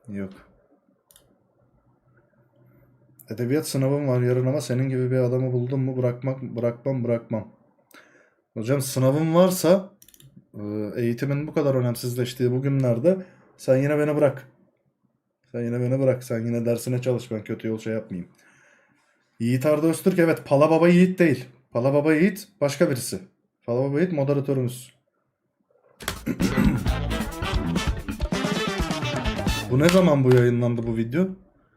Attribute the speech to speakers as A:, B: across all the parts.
A: Yok. Edebiyat sınavım var yarın ama senin gibi bir adamı buldum mu bırakmam. Hocam sınavım varsa eğitimin bu kadar önemsizleştiği bu günlerde sen yine beni bırak. Sen yine dersine çalış, ben kötü yol şey yapmayayım. Yiğit Arda Öztürk, evet, Pala Baba Yiğit değil. Pala Baba Yiğit başka birisi. Pala Baba Yiğit moderatörümüz. Bu ne zaman bu yayınlandı bu video?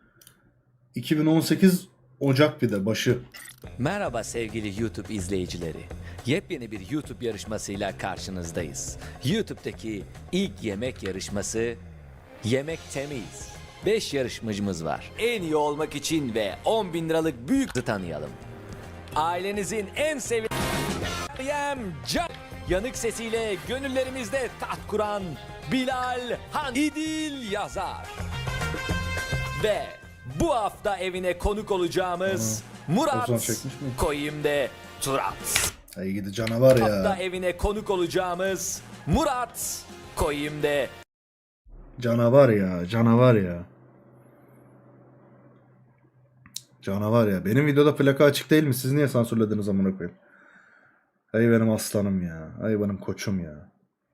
A: 2018 Ocak bir de başı.
B: Merhaba sevgili YouTube izleyicileri. Yepyeni bir YouTube yarışmasıyla karşınızdayız. YouTube'daki ilk yemek yarışması Yemek Temiz. 5 yarışmacımız var. En iyi olmak için ve 10.000 liralık büyük tanıyalım. Ailenizin en sevilen Can. Yanık sesiyle gönüllerimizde taht kuran Bilal Han İdil Yazar. Ve bu hafta evine konuk olacağımız Murat
A: Ozan çekmiş mi?
B: Koyim'de Turat.
A: Ay gidi canavar
B: Hafta
A: ya.
B: evine konuk olacağımız Murat Koyim'de
A: Canavar ya. Canavar ya. Benim videoda plaka açık değil mi? Siz niye sansürlediniz amına koyayım? Ay benim aslanım ya. Ay benim koçum ya.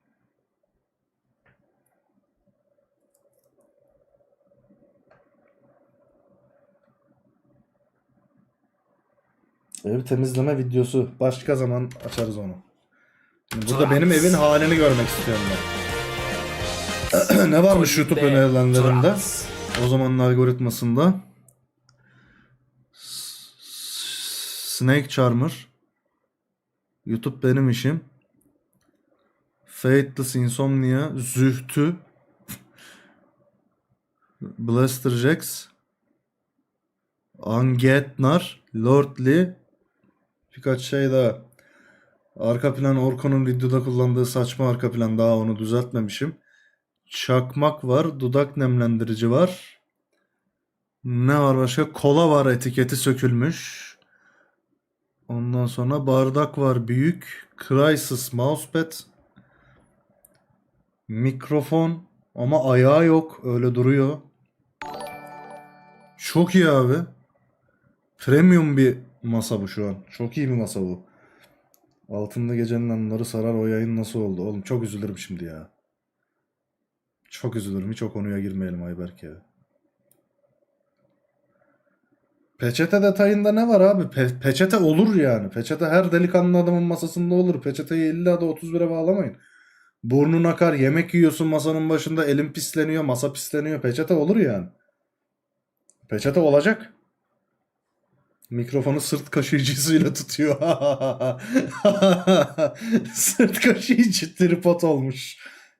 A: Ev temizleme videosu. Başka zaman açarız onu. Şimdi burada benim evin halini görmek istiyorum ben. Ne varmış YouTube
B: Koyim'de
A: önerilenlerinde?
B: Turat.
A: O zamanın algoritmasında. Snake Charmer. YouTube benim işim. Fateless Insomnia. Zühtü. Blaster Jax. Angetnar. Lordly. Birkaç şey daha. Arka plan Orko'nun videoda kullandığı saçma arka plan, daha onu düzeltmemişim. Çakmak var. Dudak nemlendirici var. Ne var başka? Kola var, etiketi sökülmüş. Ondan sonra bardak var büyük. Crysis mousepad. Mikrofon ama ayağı yok. Öyle duruyor. Çok iyi abi. Premium bir masa bu şu an. Çok iyi bir masa bu. Altında gecenin anıları sarar, o yayın nasıl oldu? Oğlum çok üzülürüm şimdi ya. Çok üzülürüm. Hiç o konuya girmeyelim Ayberk ya. Peçete detayında ne var abi? Peçete olur yani. Peçete her delikanlı adamın masasında olur. Peçeteyi illa da 31'e bağlamayın. Burnun akar, yemek yiyorsun masanın başında, elin pisleniyor, masa pisleniyor. Peçete olur yani. Peçete olacak. Mikrofonu sırt kaşıyıcısıyla tutuyor. Sırt kaşıyıcı tripod olmuş.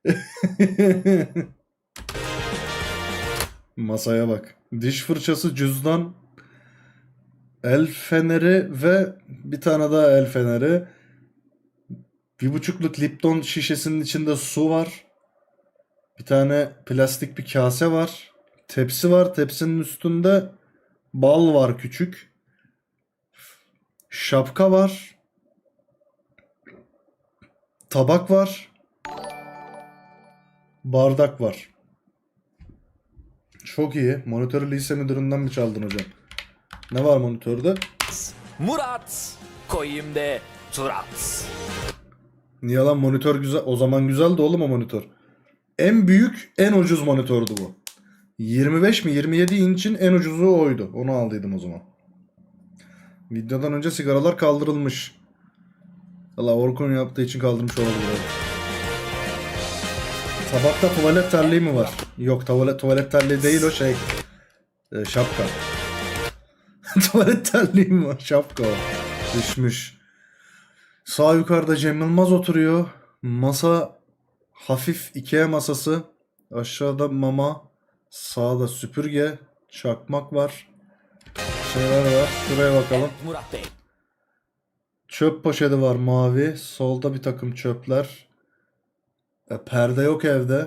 A: Masaya bak. Diş fırçası, cüzdan, el feneri ve bir tane daha el feneri. 1,5'luk Lipton şişesinin içinde su var. Bir tane plastik bir kase var. Tepsi var. Tepsinin üstünde bal var küçük. Şapka var. Tabak var. Bardak var. Çok iyi. Monitörü lise müdüründen mi çaldın hocam? Ne var monitörde?
B: Murat Koyim'de Turat.
A: Niye lan, monitör güzel. O zaman güzeldi oğlum o monitör. En büyük, en ucuz monitördü bu. 25 mi 27 inç'in en ucuzu oydu. Onu aldıydım o zaman. Videodan önce sigaralar kaldırılmış. Valla Orkun yaptığı için kaldırmış olabilir. Tabakta tuvalet terliği mi var? Yok, tuvalet terliği değil o şey. Şapka. Tuvalet terliği mi var? Şapka o. Düşmüş. Sağ yukarıda Cem Yılmaz oturuyor. Masa hafif Ikea masası. Aşağıda mama. Sağda süpürge. Çakmak var. Şeyler var. Şuraya bakalım.
B: Murat Bey.
A: Çöp poşeti var mavi. Solda bir takım çöpler. Perde yok evde.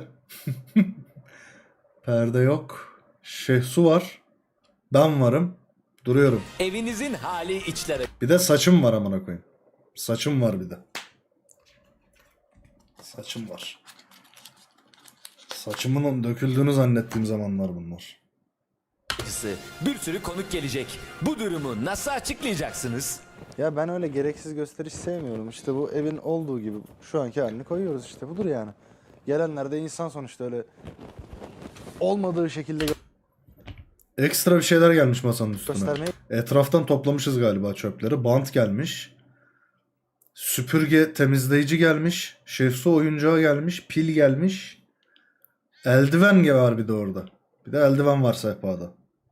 A: Perde yok. Su var. Ben varım. Duruyorum.
B: Evinizin hali içlere.
A: Bir de saçım var amına koyayım. Saçım var bir de. Saçım var. Saçımın döküldüğünü zannettiğim zamanlar bunlar.
B: Bir sürü konuk gelecek. Bu durumu nasıl açıklayacaksınız?
C: Ya ben öyle gereksiz gösteriş sevmiyorum. İşte bu evin olduğu gibi şu anki halini koyuyoruz işte. Budur yani. Gelenler de insan sonuçta öyle olmadığı şekilde
A: Ekstra bir şeyler gelmiş masanın üstüne.
C: göstermeyi
A: Etraftan toplamışız galiba çöpleri. Bant gelmiş. Süpürge temizleyici gelmiş. Şefsu oyuncağı gelmiş. Pil gelmiş. Eldiven var bir de orada. Bir de eldiven var sehpada.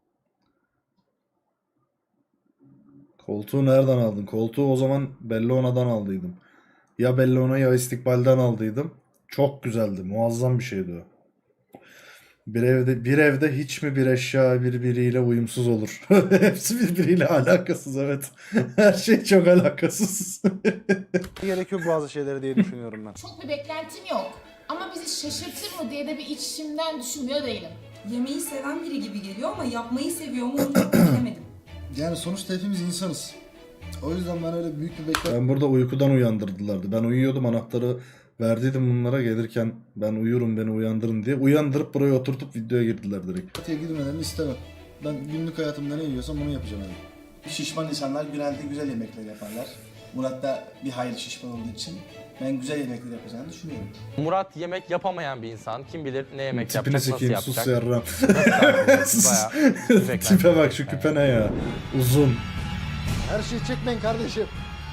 A: Koltuğu nereden aldın? Koltuğu o zaman Bellona'dan aldıydım. Ya Bellona ya İstikbal'den aldıydım. Çok güzeldi. Muazzam bir şeydi o. Bir evde hiç mi bir eşya birbiriyle uyumsuz olur? Hepsi birbiriyle alakasız, evet. Her şey çok alakasız.
C: gerekiyor bazı şeyleri diye düşünüyorum ben.
D: Çok bir beklentim yok. Ama bizi şaşırtır mı diye de bir içimden düşünmüyor değilim.
E: Yemeği seven biri gibi geliyor ama yapmayı seviyor mu onu çok bilemedim.
F: Yani sonuçta hepimiz insanız. O yüzden ben öyle büyük bir beklenti
A: Ben burada uykudan uyandırdılardı. Ben uyuyordum, anahtarı verdiydim bunlara, gelirken ben uyurum beni uyandırın diye. Uyandırıp buraya oturtup videoya girdiler direkt.
F: girmelerini istemem. Ben günlük hayatımda ne yiyorsam onu yapacağım yani.
G: Şişman insanlar genelde güzel yemekler yaparlar. Murat da bir hayli şişman olduğu için ben güzel yemekler yapacağını düşünüyorum.
H: Murat yemek yapamayan bir insan. Kim bilir ne yemek
A: Tipini
H: yapacak, nasıl
A: sikeyim, sus
H: yapacak.
A: yarram.
H: Bayağı
A: Tipe bak, şu küpe ne ya? Uzun.
C: Her şeyi çekmeyin kardeşim.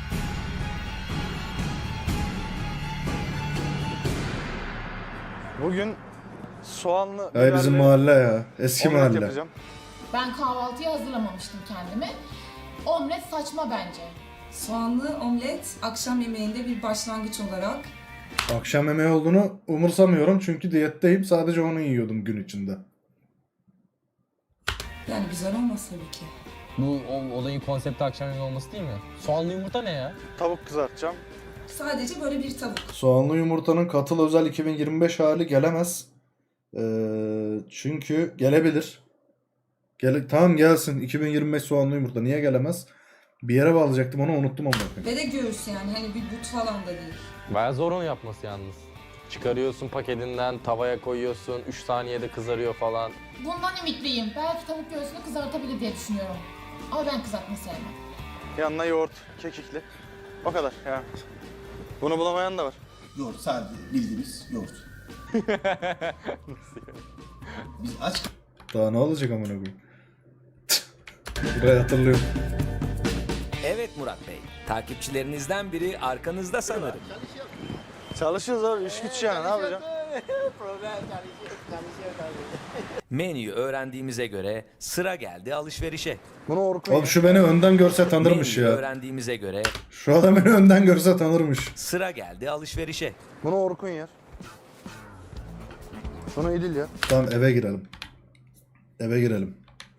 C: Bugün soğanlı
A: Ay bizim
C: biberli
A: mahalle ya. Eski
C: omlet
A: mahalle.
C: yapacağım.
D: Ben kahvaltıyı hazırlamamıştım kendime. Omlet saçma bence.
E: Soğanlı omlet akşam yemeğinde bir başlangıç olarak.
A: Akşam yemeği olduğunu umursamıyorum çünkü diyetteyim. Sadece onu yiyordum gün içinde.
E: Yani güzel olmaz tabii ki.
I: Bu olayın konsepti akşam yemeği olması değil mi? Soğanlı yumurta ne ya?
C: Tavuk kızartacağım.
E: Sadece böyle bir tavuk.
A: Soğanlı yumurtanın katıl özel 2025 hali gelemez. Çünkü gelebilir. Tamam gelsin 2025 soğanlı yumurta. Niye gelemez? Bir yere bağlayacaktım onu, unuttum ama.
E: Ve de göğüs yani hani bir but falan da değil.
H: Bayağı zor onu yapması yalnız. Çıkarıyorsun paketinden, tavaya koyuyorsun, 3 saniyede kızarıyor falan.
D: Bundan ümitliyim. Belki tavuk göğsünü kızartabilir diye düşünüyorum. Ama ben kızartma sevmem.
C: Yanına yoğurt, kekikli. O kadar ya. Bunu bulamayan da var.
G: Yoğurt sadece bildiğimiz yoğurt. Biz aç
A: Daha ne olacak amına koyayım? Burayı hatırlıyorum.
B: Evet Murat Bey, takipçilerinizden biri arkanızda sanırım.
C: Çalışıyoruz abi, iş güç yani, ne yapacağım?
B: Menüyü öğrendiğimize göre sıra geldi alışverişe.
C: Bunu Orkun
A: Oğlum şu beni önden görse tanırmış
B: Menüyü
A: ya.
B: öğrendiğimize göre
A: Şu adam beni önden görse tanırmış.
B: sıra geldi alışverişe.
C: Bunu Orkun yer. Bunu İdil yer.
A: Tamam eve girelim. Eve girelim.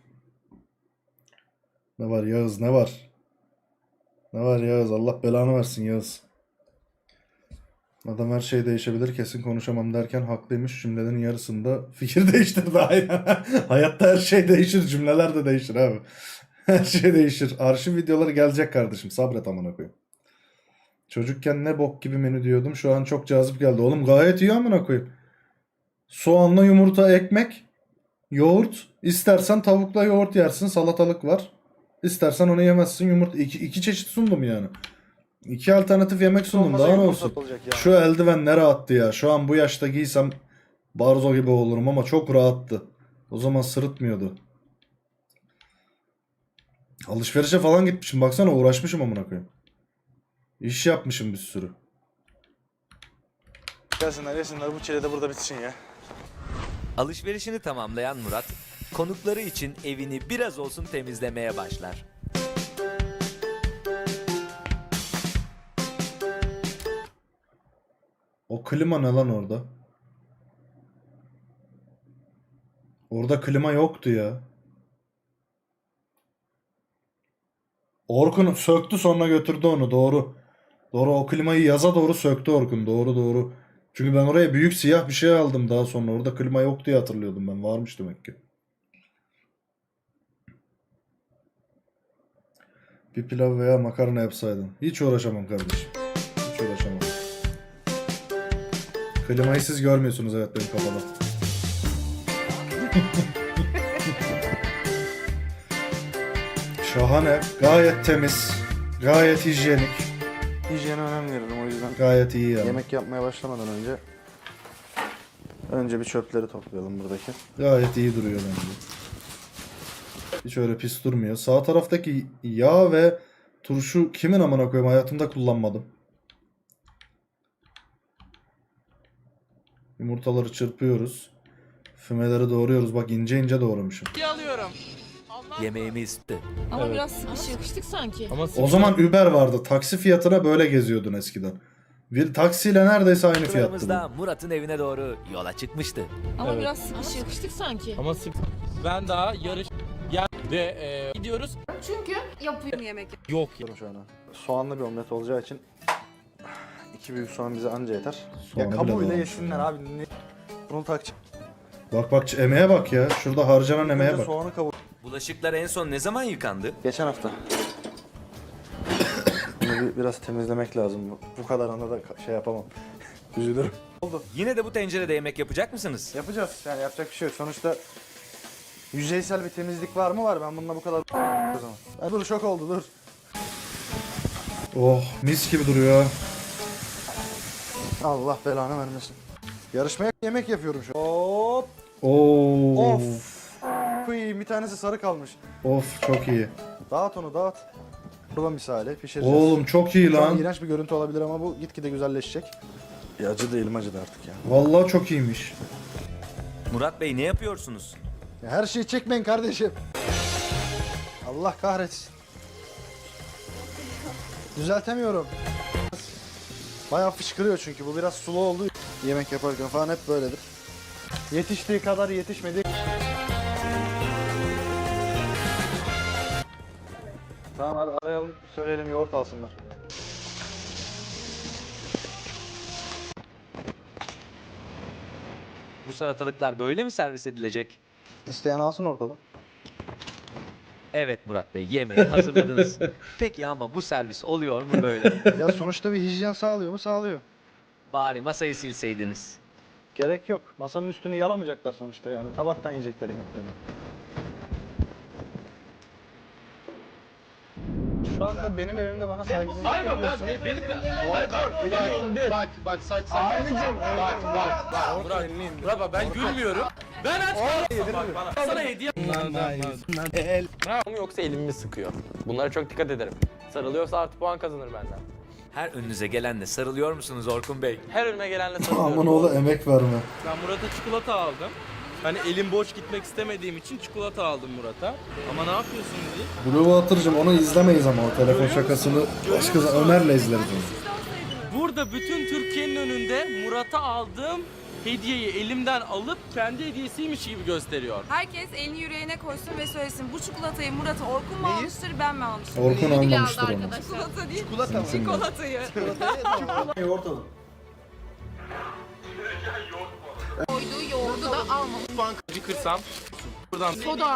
A: Ne var Yağız, ne var? Ne var Yağız? Allah belanı versin Yağız. Adam her şey değişebilir, kesin konuşamam derken haklıymış. Cümlenin yarısında fikir değiştirdi. Aynen. Hayatta her şey değişir, cümleler de değişir abi. Her şey değişir. Arşiv videoları gelecek kardeşim. Sabret amına koyayım. Çocukken ne bok gibi menü diyordum. Şu an çok cazip geldi. Oğlum gayet iyi amına koyayım. Soğanla yumurta, ekmek, yoğurt. İstersen tavukla yoğurt yersin. Salatalık var. İstersen onu yemezsin. Yumurta. İki çeşit sundum yani. İki alternatif yemek sundum.
C: Olmasa
A: Daha ne
C: yumurta
A: olsun?
C: olacak yani.
A: Şu eldiven ne rahattı ya. Şu an bu yaşta giysem barzo gibi olurum ama çok rahattı. O zaman sırıtmıyordu. Alışverişe falan gitmişim. Baksana uğraşmışım amına koyayım. İş yapmışım bir sürü.
C: Gelsinler yesinler, bu çile de burada bitsin ya.
B: Alışverişini tamamlayan Murat, konukları için evini biraz olsun temizlemeye başlar.
A: O klima ne lan orada? Orada klima yoktu ya. Orkun söktü sonra götürdü onu, doğru. Doğru, o klimayı yaza doğru söktü Orkun, doğru doğru. Çünkü ben oraya büyük siyah bir şey aldım daha sonra. Orada klima yok diye hatırlıyordum ben. Varmış demek ki. Bir pilav veya makarna yapsaydın. Hiç uğraşamam kardeşim. Hiç uğraşamam. Klimayı siz görmüyorsunuz, evet, benim kafada. Şahane. Gayet temiz. Gayet hijyenik.
C: Hijyene önem veririm o yüzden.
A: Gayet iyi yani.
C: Yemek yapmaya başlamadan önce bir çöpleri toplayalım buradaki.
A: Gayet iyi duruyor bence. Hiç öyle pis durmuyor. Sağ taraftaki yağ ve turşu kimin amına koyayım, hayatımda kullanmadım. Yumurtaları çırpıyoruz. Fümeleri doğruyoruz. Bak ince ince doğramışım.
B: Yemeğimiz bitti.
E: Ama biraz sıkışık.
D: Sıkıştık sanki.
I: Ama
A: O zaman Uber vardı. Taksi fiyatına böyle geziyordun eskiden. Bir taksiyle neredeyse aynı fiyattı
B: Turlarımızda
A: bu.
B: Murat'ın evine doğru yola çıkmıştı.
E: Ama
I: Evet.
E: biraz sıkışık.
D: Sıkıştık sanki.
I: ama ben daha yarış ve gidiyoruz.
D: Çünkü yapıyor.
I: Yok ya.
C: Şu an. Soğanlı bir omlet olacağı için 2 büyük soğan bize anca yeter.
A: Soğanı
C: Ya
A: bile
C: kabuğuyla
A: doğramış.
C: yesinler abi. Bunu takacağım.
A: Bak emeğe bak ya. Şurada harcanan emeğe
C: Önce
A: bak.
C: soğanı kavur.
B: Bulaşıklar en son ne zaman yıkandı?
C: Geçen hafta. Bunu biraz temizlemek lazım. Bu kadar anda da şey yapamam. Üzülürüm.
B: Yine de bu tencerede yemek yapacak mısınız?
C: Yapacağız. Yani yapacak bir şey yok. Sonuçta yüzeysel bir temizlik var mı var? Ben bununla bu kadar o zaman. Dur şok oldu dur.
A: Oh mis gibi duruyor.
C: Allah belanı vermesin. Yarışmaya yemek yapıyorum şu an. Hop.
A: Oo.
C: Of. Kıyım bir tanesi sarı kalmış.
A: Of çok iyi.
C: Dağıt onu dağıt. Kurban misali pişireceğiz.
A: Oğlum çok iyi
C: Şu an
A: lan.
C: iğrenç bir görüntü olabilir ama bu gitgide güzelleşecek. Ya acı değilim acıdı artık ya.
A: Vallahi çok iyiymiş.
B: Murat Bey ne yapıyorsunuz?
C: Ya her şeyi çekmeyin kardeşim. Allah kahretsin. Düzeltemiyorum. Bayağı fışkırıyor çünkü bu biraz sulu oldu. Yemek yaparken falan hep böyledir. Yetiştiği kadar yetişmedi. Tamam hadi arayalım söyleyelim yoğurt alsınlar.
B: Bu salatalıklar böyle mi servis edilecek?
C: İsteyen alsın ortada.
B: Evet Murat Bey, yemeği hazırladınız. Peki ama bu servis oluyor mu böyle?
C: Ya sonuçta bir hijyen sağlıyor mu? Sağlıyor.
B: Bari masayı silseydiniz.
C: Gerek yok. Masanın üstünü yalamayacaklar sonuçta yani. Tabaktan yiyecekler yemeklerini. Şu anda benim evimde bana saygısızlık yapıyorsun.
F: Bak saç saç.
I: Murat ben gülmüyorum. Ben aç kaldım. Bak bana. Sana hediye. Bravo mu yoksa elimi mi sıkıyor? Bunlara çok dikkat ederim. Sarılıyorsa artı puan kazanır benden.
B: Her önünüze gelenle sarılıyor musunuz Orkun Bey?
I: Her önüme gelenle sarılıyorum.
A: Aman oğlu emek verme.
J: Ben Murat'a çikolata aldım. Hani elim boş gitmek istemediğim için çikolata aldım Murat'a. Ama ne yapıyorsun diye.
A: Blue Water'cım onu izlemeyiz ama o telefon şakasını başka Ömer'le izleriz onu.
J: Burada bütün Türkiye'nin önünde Murat'a aldığım hediyeyi elimden alıp kendi hediyesiymiş gibi gösteriyor.
E: Herkes elini yüreğine koysun ve söylesin. Bu çikolatayı Murat'a Orkun mu almıştır, ben mi almıştım?
A: Orkun almamıştır onu.
E: Çikolata değil,
F: Çikolata mı?
E: çikolatayı.
F: Yoğurt alın.
D: Koyduğu yoğurdu da almamış.
J: Acı kırsam buradan
D: Soda.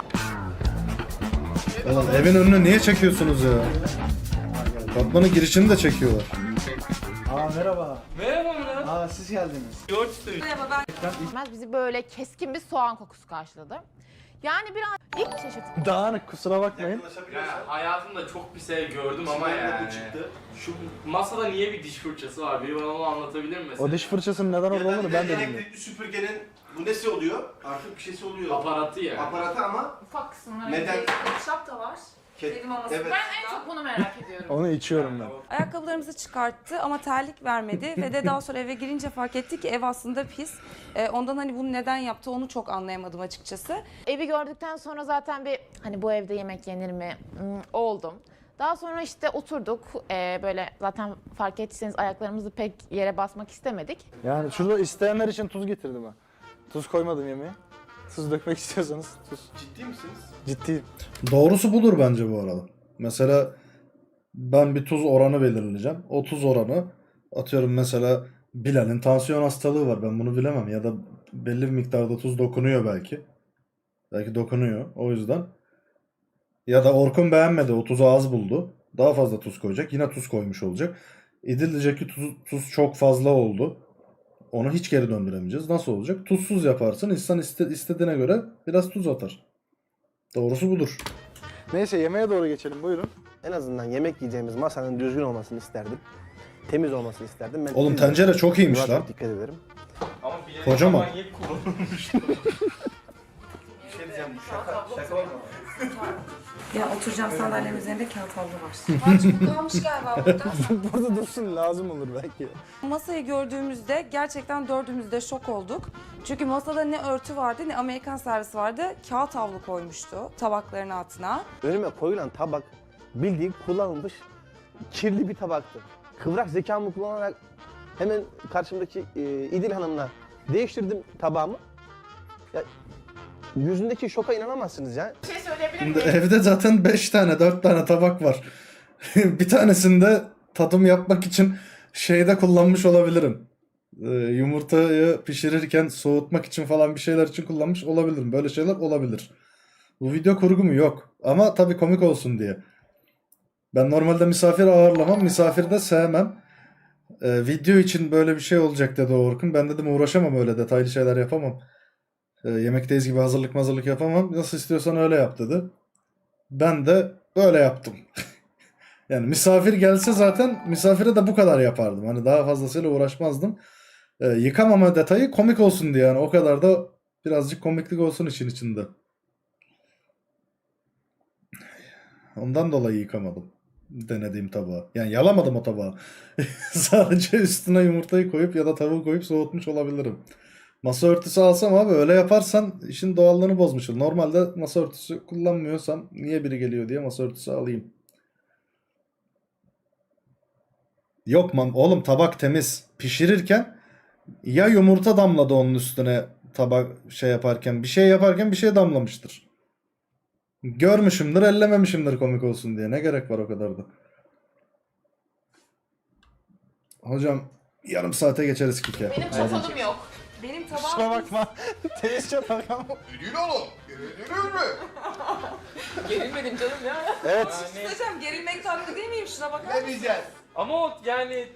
A: Oğlum evin önüne niye çekiyorsunuz ya? Katmanın girişini de çekiyorlar.
C: Aa merhaba.
J: merhaba Murat.
C: Aa siz geldiniz.
J: Yoğurt istemiş.
E: Merhaba, ben
D: Bizi böyle keskin bir soğan kokusu karşıladı. Yani biraz ilk çeşit.
C: Dağınık kusura bakmayın.
J: Hayatımda çok bir şey gördüm ama yani. Şu masada niye bir diş fırçası var? Biri bana onu anlatabilir mi mesela?
C: O diş fırçasının neden orada olduğunu ben de bilmiyorum.
G: Elektrikli süpürgenin bu nesi oluyor? Artık bir şeysi oluyor.
J: Aparatı yani.
G: Aparatı ama
D: Ufak kısımları.
G: neden?
E: şap da var. Kedi maması.
G: Evet.
D: Ben en çok bunu merak ediyorum.
C: Onu içiyorum ben.
E: Ayakkabılarımızı çıkarttı ama terlik vermedi ve de daha sonra eve girince fark etti ki ev aslında pis. Ondan hani bunu neden yaptı onu çok anlayamadım açıkçası.
D: Evi gördükten sonra zaten bir hani bu evde yemek yenir mi oldum. Daha sonra işte oturduk. Böyle zaten fark ettiyseniz ayaklarımızı pek yere basmak istemedik.
C: Yani şurada isteyenler için tuz getirdim ha. Tuz koymadım yemeğe. Tuz dökmek istiyorsanız tuz.
G: Ciddi misiniz?
C: Ciddiyim.
A: Doğrusu budur bence bu arada. Mesela ben bir tuz oranı belirleyeceğim. O tuz oranı atıyorum mesela Bilal'in tansiyon hastalığı var. Ben bunu bilemem ya da belli bir miktarda tuz dokunuyor belki. Belki dokunuyor o yüzden. Ya da Orkun beğenmedi o tuzu az buldu. Daha fazla tuz koyacak. Yine tuz koymuş olacak. İdil diyecek ki tuz çok fazla oldu. Onu hiç geri döndüremeyeceğiz. Nasıl olacak? Tuzsuz yaparsın. İnsan istediğine göre biraz tuz atar. Doğrusu budur.
C: Neyse yemeğe doğru geçelim buyurun.
K: En azından yemek yiyeceğimiz masanın düzgün olmasını isterdim. Temiz olmasını isterdim. Ben
A: Oğlum
K: temiz-
A: tencere çok iyiymiş
K: Buna
A: lan.
K: çok dikkat ederim.
J: Ama bir yere
A: Kocaman.
J: zaman yiyip kullanılmış.
G: Bir şey diyeceğim bu şaka olma.
E: Ya oturacağım sandalyenin üzerinde kağıt havlu var. Harcı bu kalmış galiba burada.
C: Burada dursun lazım olur belki.
E: Masayı gördüğümüzde gerçekten dördümüz de şok olduk. Çünkü masada ne örtü vardı ne Amerikan servisi vardı. Kağıt havlu koymuştu tabakların altına.
K: Önüme koyulan tabak bildiğin kullanılmış kirli bir tabaktı. Kıvrak zekamı kullanarak hemen karşımdaki İdil Hanım'la değiştirdim tabağımı. Ya, yüzündeki şoka inanamazsınız ya.
D: Bir şey söyleyebilir
A: Şimdi
D: miyim?
A: evde zaten 5 tane 4 tane tabak var. Bir tanesinde tadım yapmak için şeyde kullanmış olabilirim. Yumurtayı pişirirken soğutmak için falan bir şeyler için kullanmış olabilirim. Böyle şeyler olabilir. Bu video kurgu mu? Yok. Ama tabii komik olsun diye. Ben normalde misafir ağırlamam. Misafir de sevmem. Video için böyle bir şey olacak dedi Orkun. Ben dedim uğraşamam, öyle detaylı şeyler yapamam. Yemekteyiz gibi hazırlık yapamam. Nasıl istiyorsan öyle yap dedi. Ben de öyle yaptım. Yani misafir gelse zaten misafire de bu kadar yapardım. Hani daha fazlasıyla uğraşmazdım. Yıkamama detayı komik olsun diye, yani o kadar da birazcık komiklik olsun işin içinde. Ondan dolayı yıkamadım denediğim tabağı. Yani yalamadım o tabağı. Sadece üstüne yumurtayı koyup ya da tavuğu koyup soğutmuş olabilirim. Masa örtüsü alsam abi, öyle yaparsan işin doğallığını bozmuş olur. Normalde masa örtüsü kullanmıyorsam niye biri geliyor diye masa örtüsü alayım. Yok oğlum, tabak temiz. Pişirirken ya yumurta damladı onun üstüne, tabak şey yaparken, bir şey yaparken bir şey damlamıştır. Görmüşümdür, ellememişimdir komik olsun diye. Ne gerek var o kadar da. Geç yarım saate geçeriz kike.
D: Benim çatalım yok.
E: Benim
C: Kusura
E: tabağım
C: bakma. Temiz çatal ama.
J: Gerilmedim canım ya.
C: Evet.
J: Yani,
E: Hocam gerilmek tatlı değil miyim? Şuna bakar mısın?
J: ama o yani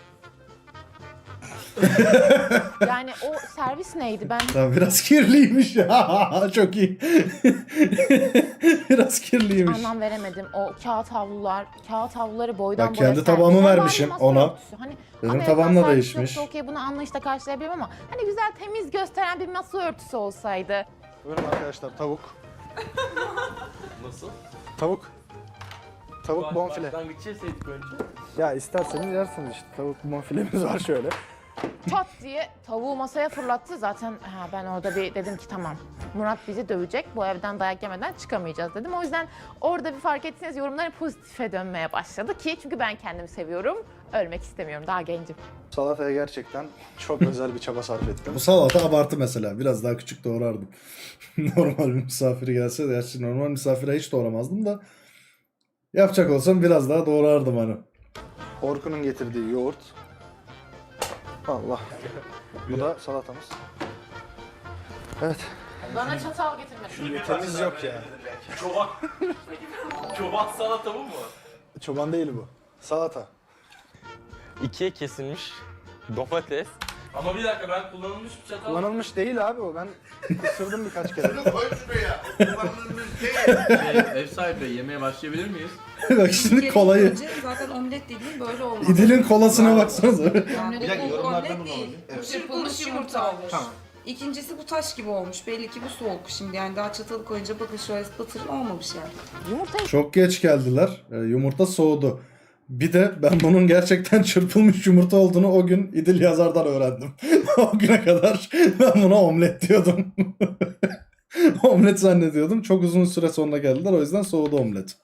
D: Yani o servis neydi? Ben
A: Tamam, biraz kirliymiş ya. Çok iyi. Biraz kirliymiş.
D: anlam veremedim. O kağıt havluları boydan
A: Bak,
D: boya
A: kendi
D: servis.
A: tabağımı
D: Normal
A: vermişim
D: bir masa
A: ona.
D: örtüsü. Hani
A: Benim
D: Amerikan
A: tabağım da
D: servisi
A: değişmiş.
D: yoksa okey, bunu anlayışla karşılayabilirim ama hani güzel temiz gösteren bir masa örtüsü olsaydı.
C: Buyurun arkadaşlar tavuk.
J: nasıl?
C: Tavuk. Tavuk bonfile.
J: Başlangıç yeseydik önce.
C: Ya isterseniz yersiniz işte. Tavuk bonfilemiz var şöyle.
D: Çat diye tavuğu masaya fırlattı. Zaten ben orada bir dedim ki tamam, Murat bizi dövecek. Bu evden dayak yemeden çıkamayacağız dedim. O yüzden orada bir fark etseniz yorumların pozitife dönmeye başladı ki çünkü ben kendimi seviyorum. Ölmek istemiyorum. Daha gencim.
C: Salataya gerçekten çok özel bir çaba sarf ettim.
A: Bu salata abartı mesela. Biraz daha küçük doğrardım. Normal bir misafiri gelse de, gerçi normal misafire hiç doğramazdım da yapacak olsam biraz daha doğrardım hani.
C: Orkun'un getirdiği yoğurt. Allah. Bu da salatamız. Evet.
D: Bana çatal getirmedi.
C: Temiz yok ya.
J: Çoban salata bu mu?
C: Çoban değil bu. Salata.
H: İkiye kesilmiş domates.
J: Ama bir dakika, ben kullanılmış bir çatal.
C: Kullanılmış değil abi o. Ben ısırdım birkaç kere.
J: Ev sahibi, yemeğe başlayabilir miyiz?
A: Bak şimdi kolayı.
E: Önce zaten omlet dediğim böyle olmaz.
A: İdil'in kolasına baksanıza.
E: Yani
G: Bir dakika,
E: bu
G: yorumlarda
E: omlet
G: bunu
E: değil.
G: alalım.
E: Bu çırpılmış yumurta olmuş.
G: Tamam.
E: İkincisi bu taş gibi olmuş. Belli ki bu soğuk şimdi, yani daha çatalı koyunca bakın şöyle batırın, olmamış yani.
D: Yumurtayı
A: Çok geç geldiler. Yumurta soğudu. Bir de ben bunun gerçekten çırpılmış yumurta olduğunu o gün İdil Yazar'dan öğrendim. O güne kadar ben buna omlet diyordum. Omlet zannediyordum. Çok uzun süre sonra geldiler. O yüzden soğudu omlet.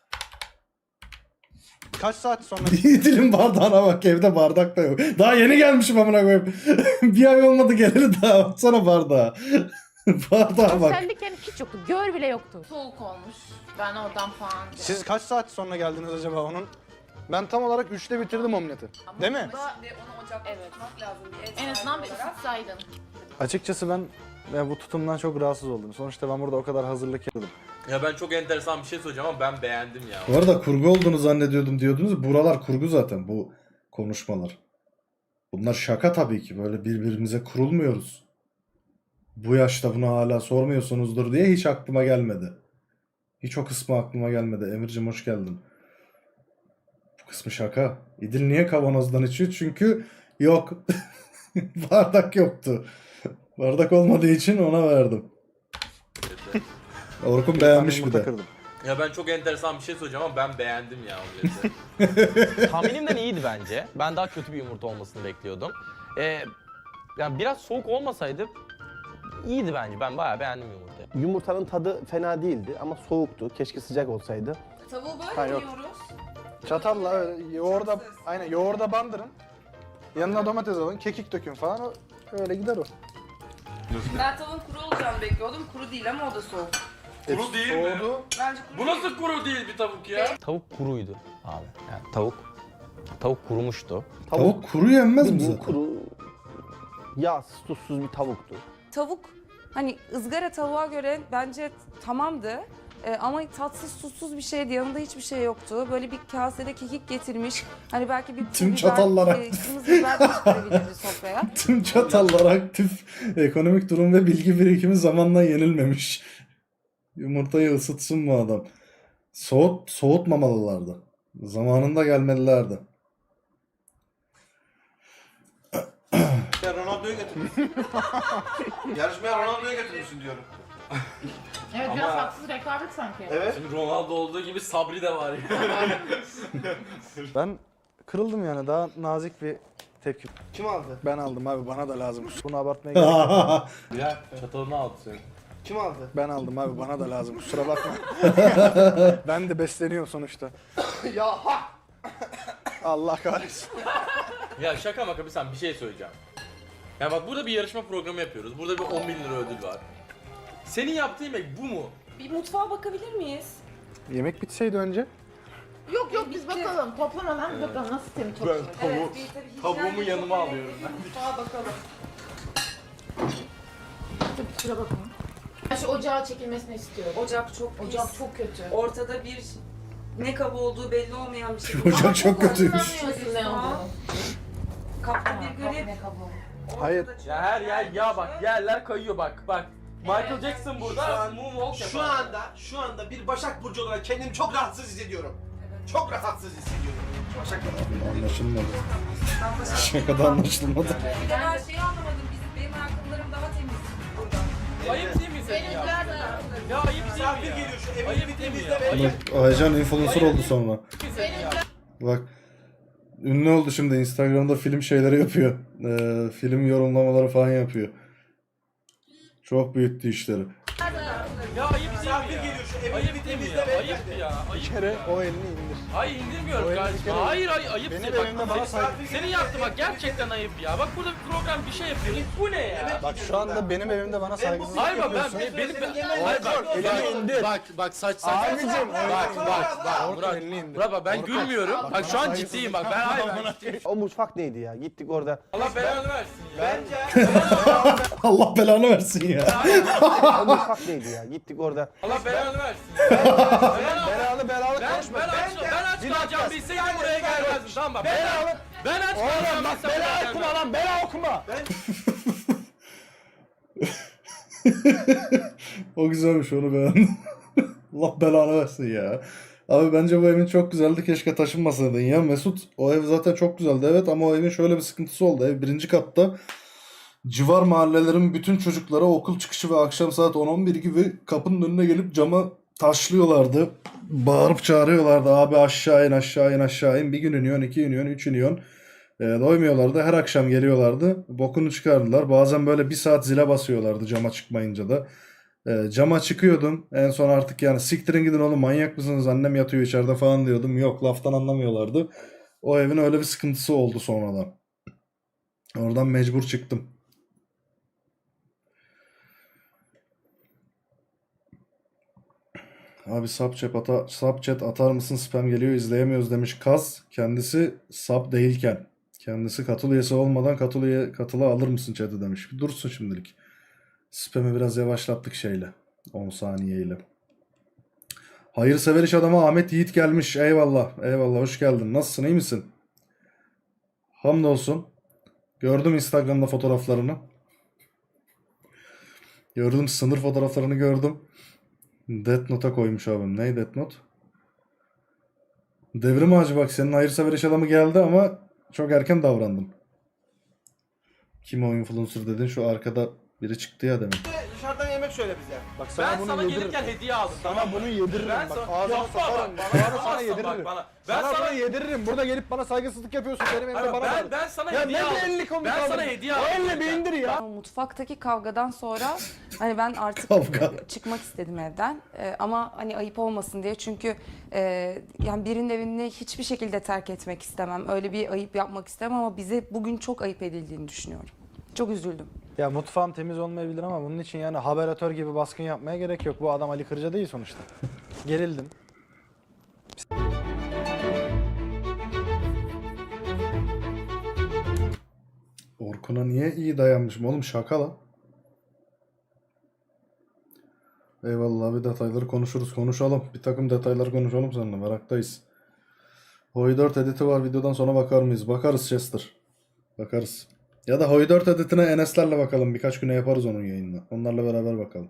C: Kaç saat sonra
A: İdil'in bardağına bak, evde bardak da yok. Daha yeni gelmişim amına koyayım. Bir ay olmadı geleli daha. Baksana bardağa. Bardağa bak.
D: özellik yani hiç yoktu. Gör bile yoktu. Soğuk olmuş. Ben oradan falan.
C: siz kaç saat sonra geldiniz acaba onun? Ben tam olarak 3'te bitirdim omleti. Değil mi?
E: Onu ocakta tutmak lazım.
D: En azından bir ısıtsaydın.
C: Açıkçası ben bu tutumdan çok rahatsız oldum. Sonuçta ben burada o kadar hazırlık yaptım.
J: Ya ben çok enteresan bir şey söyleyeceğim ama ben beğendim ya.
A: Bu arada kurgu olduğunu zannediyordum diyordunuz. Buralar kurgu zaten, bu konuşmalar. Bunlar şaka tabii ki. Böyle birbirimize kurulmuyoruz. Bu yaşta bunu hala sormuyorsunuzdur diye hiç aklıma gelmedi. Hiç o kısmı aklıma gelmedi. Emircim hoş geldin. Bu kısmı şaka. İdil niye kavanozdan içiyor? Çünkü yok. Bardak yoktu. Bardak olmadığı için ona verdim. Orkun beğenmiş bir
C: Yumurta
A: de.
C: kırdım.
J: Ya ben çok enteresan bir şey söyleyeceğim ama ben beğendim ya omleti.
H: Tahminimden iyiydi bence. Ben daha kötü bir yumurta olmasını bekliyordum. Yani biraz soğuk olmasaydı iyiydi bence. Ben bayağı beğendim yumurtayı.
K: Yumurtanın tadı fena değildi ama soğuktu. Keşke sıcak olsaydı.
E: Tavuğu böyle
C: Ha,
E: mi
C: yok.
E: yiyoruz?
C: Çatalla öyle yoğurda, aynen yoğurda bandırın. Yanına domates alın, kekik dökün falan. Öyle gider o.
E: Ben tavuğun kuru olacağını bekliyordum. Kuru değil ama o da soğuk.
J: Kuru değil mi?
C: Soğudu.
E: Bence kuru
J: Bu nasıl kuru değil bir tavuk ya?
H: Tavuk kuruydu abi. Yani tavuk kurumuştu.
A: Tavuk kuru yenmez mi
K: Bildiğin
A: zaten?
K: kuru, yağsız, tuzsuz bir tavuktu.
E: Tavuk hani ızgara tavuğa göre bence tamamdı. Ama tatsız tuzsuz bir şeydi. Yanında hiçbir şey yoktu. Böyle bir kasede kekik getirmiş. Hani belki bir
A: Tüm
E: biber,
A: çatallar
E: kırmızı biber de çıkarabilirdi sofraya.
A: Tüm çatallar aktif. Ekonomik durum ve bilgi birikimi zamanla yenilmemiş. Yumurtayı ısıtsın bu adam. Soğutmamalılardı. Zamanında gelmelilerdi.
F: Ya Ronaldo'yu götürmüşsün. Yarışmaya Ronaldo'yu götürmüşsün diyorum.
D: Evet biraz haksız rekabet sanki.
F: Evet.
J: Şimdi Ronaldo olduğu gibi Sabri de var ya.
C: Ben kırıldım yani, daha nazik bir tepki.
F: Kim aldı?
C: Ben aldım abi, bana da lazım. Bunu abartmaya gerek yok.
J: Ya çatalını aldı senin.
F: Kim aldı?
C: Ben aldım abi, bana da lazım. Kusura bakma. Ben de besleniyorum sonuçta.
F: Ya ha!
C: Allah kahretsin.
J: Ya şaka maka bir şey söyleyeceğim. Ya bak burada bir yarışma programı yapıyoruz. Burada bir 10.000 lira ödül var. Senin yaptığın yemek bu mu?
E: Bir mutfağa bakabilir miyiz?
C: Yemek bitseydi önce.
D: Yok yok biz bakalım. Toplamadan bir bakalım nasıl temiz çok
J: Ben
D: temiz.
E: Evet, bir tabii hijyen
J: tavuğumu
E: çok
J: yanıma
E: önemli.
J: alıyorum ben.
E: Mutfağa bakalım.
D: Tabii kusura bakmayın. Ben şu ocağa çekilmesini istiyorum.
E: Ocak çok pis.
D: Ocak çok kötü.
E: Ortada bir ne kabı olduğu belli olmayan bir şey.
A: Ocak çok kötüymüş.
D: Anlamıyorsun ne olduğunu.
E: Kapta bir grip.
D: Ne kabuğu.
C: Hayır.
J: Ya her yer ya bak yerler kayıyor bak. Michael Jackson burada moonwalk yapar.
F: Şu anda bir Başak Burcu olarak kendimi çok rahatsız hissediyorum. Çok rahatsız hissediyorum. Başak Burcu.
A: Anlaşılmadı. Şakada anlaşılmadı.
E: Bir de ben şeyi anlamadım. Benim ayakkabılarım daha temiz burada.
J: Ayıp değil mi senin ya? Ya ayıp değil
F: Misafir
J: mi ya?
F: geliyor şu evi
J: Ayıp
F: bir
J: değil mi
F: temizle
J: ya?
F: ve...
J: Ayıp
A: Bak Aycan influencer oldu sonra.
J: senin ya.
A: Bak ünlü oldu şimdi, Instagram'da film şeyleri yapıyor. Film yorumlamaları falan yapıyor. Çok büyüttü işleri.
J: Ya ayıp değil
F: Misafir
J: mi ya?
F: geliyor şu evi
J: Ayıp
F: bir
J: değil mi
F: temizle
J: ya?
F: ve...
J: Ayıp ya. Ayıp.
C: Kere o elini indir.
J: Hayır indirmiyorum
C: O
J: kardeşim.
C: elindeki-
J: Hayır ayıp.
C: Benim
J: Bak,
C: evimde bana saygı...
J: senin yaptığın bak gerçekten ayıp ya. Bak burada bir program bir şey yapıyoruz. Bu ne ya?
C: Bak şu anda benim evimde bana saygısızlık
J: Hayır bak
C: yapıyorsun.
J: hayır bak
C: elini indir.
J: bak saç
C: Abicim,
J: bak
C: Orkun elini indir.
J: Murat ben
C: Orkun,
J: gülmüyorum.
C: bak,
J: Bak şu
C: bana
J: an
C: saygısızlık
J: ciddiyim bak. Ben ciddiyim.
K: O mutfak neydi ya? Gittik orada.
J: Allah belanı versin ya.
A: Allah belanı versin ya.
K: O mutfak neydi ya? Gittik orada.
J: Allah belanı versin ya.
C: Belalı
J: Ben aç kalacağım bilseydim buraya gelmezdim tamam bak. Ben aç kalacağım bilseydim buraya gelmezdim.
C: lan, bela okuma.
A: O güzelmiş, onu beğendim. Allah belanı versin ya. Abi bence bu evin çok güzeldi. Keşke taşınmasaydın ya. Mesut, o ev zaten çok güzeldi evet, ama o evin şöyle bir sıkıntısı oldu. Ev 1. katta. Civar mahallelerin bütün çocukları okul çıkışı ve akşam saat 10-11 gibi kapının önüne gelip camı taşlıyorlardı. Bağırıp çağırıyorlardı. Abi aşağı in, aşağı in, aşağı in. Bir gün iniyorsun, 2 iniyorsun, 3 iniyorsun. Doymuyorlardı. Her akşam geliyorlardı. Bokunu çıkardılar. Bazen böyle 1 saat zile basıyorlardı cama çıkmayınca da. Cama çıkıyordum. En son artık yani siktirin gidin oğlum, manyak mısınız? Annem yatıyor içeride falan diyordum. Yok, laftan anlamıyorlardı. O evin öyle bir sıkıntısı oldu sonradan. Oradan mecbur çıktım. Abi subchat atar mısın? Spam geliyor, izleyemiyoruz demiş Kaz. Kendisi sub değilken. Kendisi katıl üyesi olmadan katıla alır mısın chat'i demiş. Bir dursun şimdilik. Spam'i biraz yavaşlattık şeyle. 10 saniyeyle. Hayırsever iş adamı Ahmet Yiğit gelmiş. Eyvallah. Eyvallah. Hoş geldin. Nasılsın? İyi misin? Hamdolsun. Gördüm Instagram'da fotoğraflarını. Gördüm, sınır fotoğraflarını gördüm. Death Note'a koymuş abim. Ney Death Note? Devrim Ağacı, bak senin hayırsever iş adamı geldi ama çok erken davrandın. Kim o influencer dedin? Şu arkada biri çıktı ya demin.
F: Dışarıdan yemek söyle bize.
C: Bak
J: Ben
C: sana
J: sana
C: bunu yediririm.
J: gelirken hediye aldım.
C: Sana bunu yediririm.
J: Ben
C: Bak
J: sana-
C: ağzına
J: Yapma
C: sokarım.
J: bak,
C: Bana
J: yapamazsan
C: sana
J: bak
C: yediririm.
J: bana. Ben
C: Sana
J: sana-
C: bunu yediririm. Burada gelip bana saygısızlık yapıyorsun. Benim evimde
J: Abi
C: bana
J: ben-
C: ver.
J: ben sana
C: Ya
J: hediye
C: ne
J: aldım.
C: bir elini komik
J: Ben
C: aldın.
J: sana hediye
C: O
J: aldım.
C: elle bir indir ya.
E: Ama mutfaktaki kavgadan sonra hani ben artık
A: Kavga.
E: çıkmak istedim evden. Ama hani ayıp olmasın diye, çünkü yani birinin evini hiçbir şekilde terk etmek istemem. Öyle bir ayıp yapmak istemem ama bize bugün çok ayıp edildiğini düşünüyorum. Çok üzüldüm.
C: Ya mutfağım temiz olmayabilir ama bunun için yani haberatör gibi baskın yapmaya gerek yok. Bu adam Ali Kırca değil sonuçta. Gerildim.
A: Orkun'a niye iyi dayanmışım oğlum, şaka lan. Eyvallah, bir detayları konuşalım. Bir takım detayları konuşalım seninle, meraktayız. Hoi 4 editi var, videodan sonra bakar mıyız? Bakarız Chester. Bakarız. Ya da Hoi 4 editine Enes'lerle bakalım, birkaç güne yaparız onun yayınını. Onlarla beraber bakalım.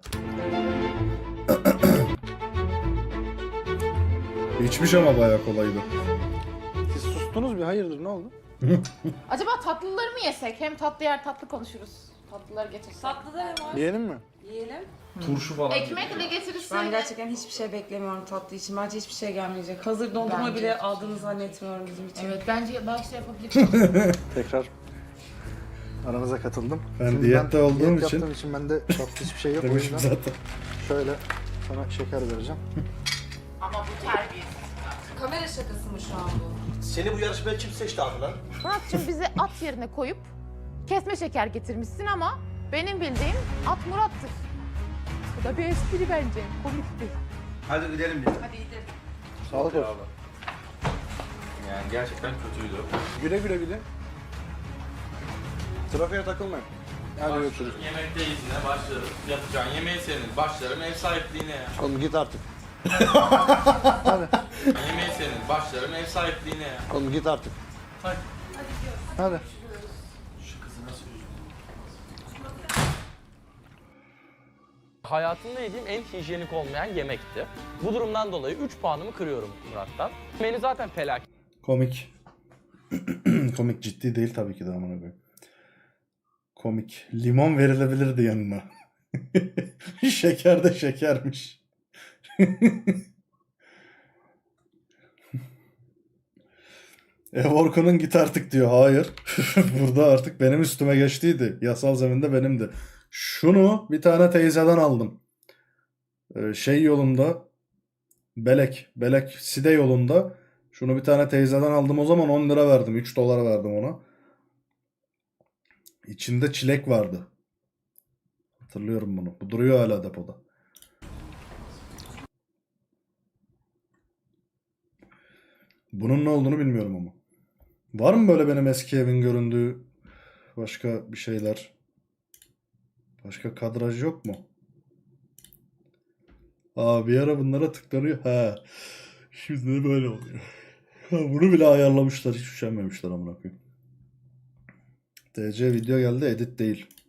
A: İçmiş ama bayağı kolaydı.
C: Siz sustunuz bir, hayırdır, ne oldu?
D: Acaba tatlıları mı yesek? Hem tatlı yer tatlı konuşuruz. Tatlıları getirsek.
E: Tatlı da var.
C: Yiyelim mi?
E: Yiyelim.
J: Turşu falan.
D: Ekmekle getirirsen.
E: Ben gerçekten hiçbir şey beklemiyorum tatlı için. Bence hiçbir şey gelmeyecek. Hazır dondurma
D: Bence
E: bile
D: hiçbir
E: aldığını zannetmiyorum bizim için.
D: Evet, bence başta yapabiliriz.
C: Tekrar aranıza katıldım.
A: Ben
C: Şimdi
A: diyette olduğum
C: diyet
A: için-
C: yaptığım için bende tatlı hiçbir şey yok. O
A: Demişim
C: yüzden
A: zaten.
C: şöyle sana şeker vereceğim.
D: Ama bu terbiyesiz.
E: Kamera şakası mı şu an bu?
F: Seni bu yarışmaya kim seçti abi lan?
D: Murat'cığım bizi at yerine koyup kesme şeker getirmişsin ama benim bildiğim at Murat'tır. Bu da bir espri bence. Komikti.
F: Hadi gidelim bir.
C: Sağlık olsun.
J: Yani gerçekten kötüydü.
C: Güle güle bir de. Trafiğe takılmayın. Hadi görüşürüz.
J: Yemekteyiz yine başlarım. Yapacağın yemeği senin. Başlarım ev sahipliğine ya.
C: Oğlum git artık.
J: Yemeği senin. Başlarım ev sahipliğine ya.
C: Oğlum git artık.
J: Hadi.
C: Hadi.
H: Hayatımda yediğim en hijyenik olmayan yemekti. Bu durumdan dolayı 3 puanımı kırıyorum Murat'tan. Menü zaten felaket.
A: Komik. Komik, ciddi değil tabii ki de, amına koyayım. Komik. Limon verilebilirdi yanına. Şeker de şekermiş. Orkun'un git artık diyor. Hayır. Burada artık benim üstüme geçtiydi. Yasal zeminde benimdi. Şunu bir tane teyzeden aldım. Şey yolunda, Belek Side yolunda. Şunu bir tane teyzeden aldım, o zaman 10 lira verdim. 3 dolar verdim ona. İçinde çilek vardı. Hatırlıyorum bunu. Bu duruyor hala depoda. Bunun ne olduğunu bilmiyorum ama. Var mı böyle benim eski evin göründüğü başka bir şeyler? Başka kadraj yok mu? Aa, bir ara bunlara tıklanıyor. Ha. Şimdi de böyle oluyor. Ha, bunu bile ayarlamışlar. Hiç üşenmemişler amına koyayım. TC video geldi, edit değil.